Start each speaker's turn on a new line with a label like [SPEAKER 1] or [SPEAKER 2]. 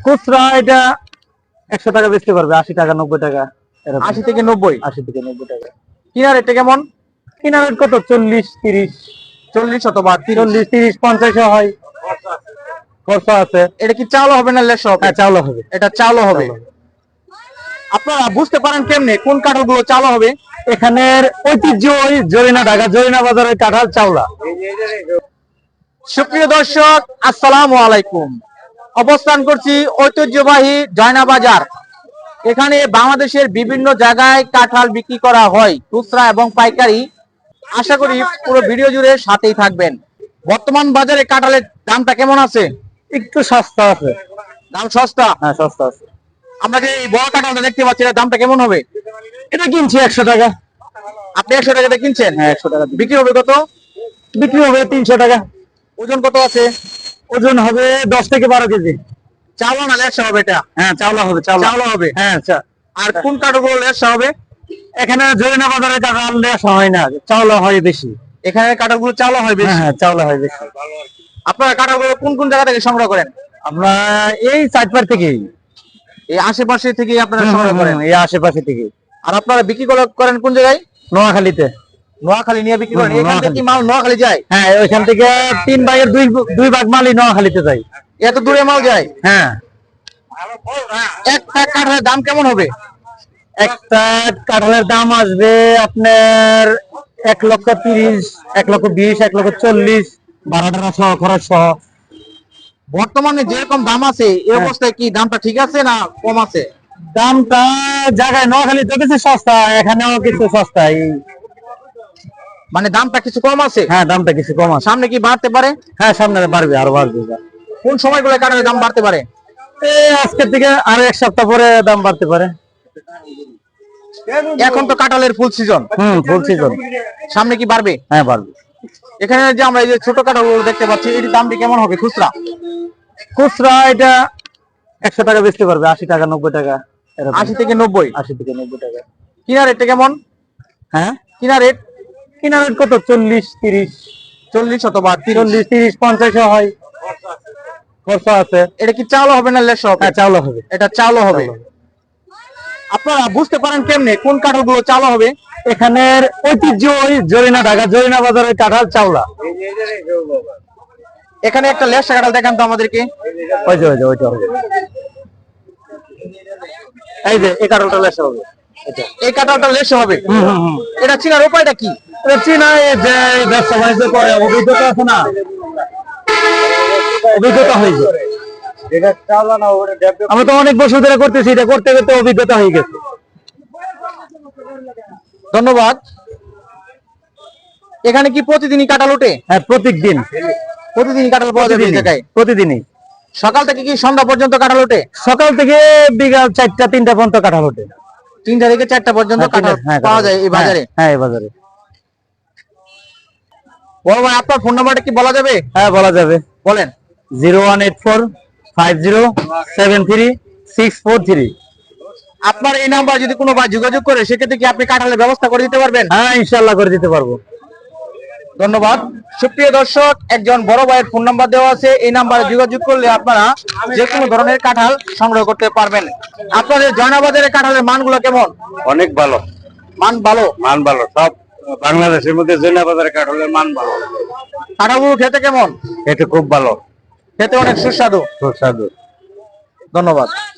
[SPEAKER 1] খুচরা এটা 100 টাকা বেচতে পারবে, 80 টাকা 90 টাকা।
[SPEAKER 2] 80 থেকে 90?
[SPEAKER 1] 80 থেকে 90 টাকা।
[SPEAKER 2] কিনা রেটটা কেমন?
[SPEAKER 1] কিনা রেট কত? 40 30।
[SPEAKER 2] 40 অথবা
[SPEAKER 1] 40 30 50 হয়। খরচা আছে।
[SPEAKER 2] এটা কি চাউল হবে না লেস হবে?
[SPEAKER 1] হ্যাঁ, চাউল হবে।
[SPEAKER 2] এটা চাউল হবে। আপনারা বুঝতে পারেন কেমনে কোন কাঁঠালগুলো চাউল হবে?
[SPEAKER 1] এখানের ঐতিহ্য ওই জরিনা ঢাকা জরিনা বাজারের কাঁঠাল চাউলা।
[SPEAKER 2] সুপ্রিয় দর্শক, আসসালামু আলাইকুম। অবস্থান করছি ঐতিহ্যবাহী জয়না বাজার। এখানে বাংলাদেশের বিভিন্ন জায়গায় কাঁঠাল বিক্রি করা হয়, খুচরা এবং পাইকারি। আশা করি পুরো ভিডিও জুড়ে সাথেই থাকবেন। বর্তমান বাজারে কাঁঠালের দামটা কেমন আছে?
[SPEAKER 1] একটু সস্তা আছে।
[SPEAKER 2] দাম সস্তা?
[SPEAKER 1] হ্যাঁ, সস্তা আছে।
[SPEAKER 2] আমরা যে এই বড় কাঁঠালটা দেখতে পাচ্ছি, এর দামটা কেমন হবে?
[SPEAKER 1] এটা কিনছি 100 টাকা।
[SPEAKER 2] আপনি 100 টাকাতে কিনছেন?
[SPEAKER 1] হ্যাঁ, 100 টাকা।
[SPEAKER 2] বিক্রি হবে কত?
[SPEAKER 1] বিক্রি হবে 300 টাকা।
[SPEAKER 2] ওজন কত আছে?
[SPEAKER 1] ওজন হবে 10 থেকে 12 কেজি।
[SPEAKER 2] চাউলা না লেসা হবে এটা?
[SPEAKER 1] হ্যাঁ, চাউলা হবে। চাউলা
[SPEAKER 2] হবে।
[SPEAKER 1] হ্যাঁ,
[SPEAKER 2] আর কোন কাঠগুলো লেসা হবে?
[SPEAKER 1] এখানে জরিনা বাজারে কাঁঠাল লেসা হয় না, চাউলা হয় বেশি।
[SPEAKER 2] এখানে কাঠগুলো চাউলা হয় বেশি?
[SPEAKER 1] হ্যাঁ, চাউলা হয় বেশি।
[SPEAKER 2] আপনারা কাঠগুলো কোন কোন জায়গা থেকে সংগ্রহ করেন?
[SPEAKER 1] আমরা এই চাটপাড় থেকেই,
[SPEAKER 2] এই আশেপাশে থেকে আপনারা সংগ্রহ করেন?
[SPEAKER 1] এই আশেপাশে থেকে।
[SPEAKER 2] আর আপনারা বিক্রি করেন কোন জায়গায়?
[SPEAKER 1] নোয়াখালীতে।
[SPEAKER 2] নোয়াখালী নিয়ে বিক্রি করেন? এখান থেকে কি মাল নোয়াখালী যায়?
[SPEAKER 1] হ্যাঁ, ওইখান থেকে 3 ভাগের 2 ভাগ মালই নোয়াখালীতে যায়।
[SPEAKER 2] এত দূরে মাল যায়?
[SPEAKER 1] হ্যাঁ।
[SPEAKER 2] একটা কাঠের দাম কেমন হবে?
[SPEAKER 1] একটা কাঁঠালের দাম আসবে আপনার 1,30,000, 1,20,000, 1,40,000, ভাড়াটা সহ, খরচ সহ।
[SPEAKER 2] বর্তমানে যেরকম দাম আছে এই অবস্থায় কি দামটা ঠিক আছে না কম আছে?
[SPEAKER 1] দামটা জায়গায় নোয়াখালীতে কিছু সস্তা, এখানেও কিছু সস্তা।
[SPEAKER 2] মানে দামটা কিছু কম আছে?
[SPEAKER 1] হ্যাঁ, দামটা কিছু কম আছে।
[SPEAKER 2] সামনে কি বাড়তে পারে?
[SPEAKER 1] হ্যাঁ, সামনে বাড়বে, আরো বাড়বে।
[SPEAKER 2] কোন সময়গুলো কাঠের দাম বাড়তে পারে?
[SPEAKER 1] আজকের থেকে আরো 1 সপ্তাহ পরে দাম বাড়তে পারে।
[SPEAKER 2] এখন তো কাঁঠালের ফুল সিজন।
[SPEAKER 1] ফুল সিজন।
[SPEAKER 2] সামনে কি বাড়বে?
[SPEAKER 1] হ্যাঁ, বাড়বে।
[SPEAKER 2] এখানে যে আমরা এই যে ছোট কাঁঠালগুলো দেখতে পাচ্ছি, এর দামটি কেমন হবে খুচরা?
[SPEAKER 1] খুচরা এটা 100 টাকা বেচতে পারবে, 80 টাকা 90 টাকা।
[SPEAKER 2] 80 থেকে 90?
[SPEAKER 1] 80 থেকে 90 টাকা।
[SPEAKER 2] কিনা রেটটা কেমন?
[SPEAKER 1] হ্যাঁ,
[SPEAKER 2] কিনা রেট
[SPEAKER 1] কত? 40 30।
[SPEAKER 2] 40 অথবা
[SPEAKER 1] 40 30 50 হয়। খরচা আছে।
[SPEAKER 2] এটা কি চাউল হবে না লেস হবে?
[SPEAKER 1] হ্যাঁ, চাউল হবে।
[SPEAKER 2] এটা চাউল হবে। আপনারা বুঝতে পারেন কেমনে কোন কাঁঠালগুলো চাউল হবে?
[SPEAKER 1] এখানের ঐতিহ্য ওই জরিনা ঢাকা জরিনা বাজারের কাঁঠাল চাউলা।
[SPEAKER 2] এখানে একটা লেস কাঁঠাল দেখান তো আমাদেরকে।
[SPEAKER 1] ওইটা হবে। এই যে এই কাঁঠালটা লেস হবে।
[SPEAKER 2] এই কাঁঠালটা লেস হবে? এটা চিনার উপায়টা কি?
[SPEAKER 1] এটা চিনা, যে ব্যবসা বাণিজ্য করে অভিজ্ঞতা আছে না, অভিজ্ঞতা হয়েছে। আমরা তো অনেক বছর ধরে করতেছি, এটা করতে করতে অভিজ্ঞতা হয়ে গেছে।
[SPEAKER 2] ধন্যবাদ। এখানে কি প্রতিদিনই কাঁঠাল ওঠে?
[SPEAKER 1] হ্যাঁ, প্রতিদিনই
[SPEAKER 2] কাঁঠাল পাওয়া যাবে এই জায়গায়?
[SPEAKER 1] প্রতিদিনই।
[SPEAKER 2] সকাল থেকে কি সন্ধ্যা পর্যন্ত কাঁঠাল ওঠে?
[SPEAKER 1] সকাল থেকে বিকাল 4টা 3টা পর্যন্ত কাঁঠাল ওঠে।
[SPEAKER 2] 3টা থেকে 4টা পর্যন্ত কাঁঠাল পাওয়া যায় এই বাজারে?
[SPEAKER 1] হ্যাঁ, এই বাজারে।
[SPEAKER 2] বড় ভাই, আপনার ফোন নাম্বারটা কি বলা যাবে?
[SPEAKER 1] হ্যাঁ, বলা যাবে।
[SPEAKER 2] বলেন।
[SPEAKER 1] 01845073643।
[SPEAKER 2] আপনার এই নাম্বার যদি কোনো ভাই যোগাযোগ করে, সেক্ষেত্রে কি আপনি কাঁঠালের ব্যবস্থা করে দিতে পারবেন?
[SPEAKER 1] হ্যাঁ, ইনশাআল্লাহ করে দিতে পারবো।
[SPEAKER 2] ধন্যবাদ। সুপ্রিয় দর্শক, একজন বড় ভাইয়ের ফোন নাম্বার দেওয়া আছে, এই নাম্বারে যোগাযোগ করলে আপনারা যে কোনো ধরনের কাঁঠাল সংগ্রহ করতে পারবেন। আপনাদের জয়নাবাজারের কাঁঠালের মানগুলো কেমন?
[SPEAKER 1] অনেক ভালো।
[SPEAKER 2] মান ভালো?
[SPEAKER 1] মান ভালো। সব বাংলাদেশের মধ্যে জয়নাবাজারের কাঁঠালের মান ভালো।
[SPEAKER 2] কাঁঠালগুলো খেতে কেমন?
[SPEAKER 1] এটা খুব ভালো,
[SPEAKER 2] খেতে অনেক সুস্বাদু।
[SPEAKER 1] সুস্বাদু।
[SPEAKER 2] ধন্যবাদ।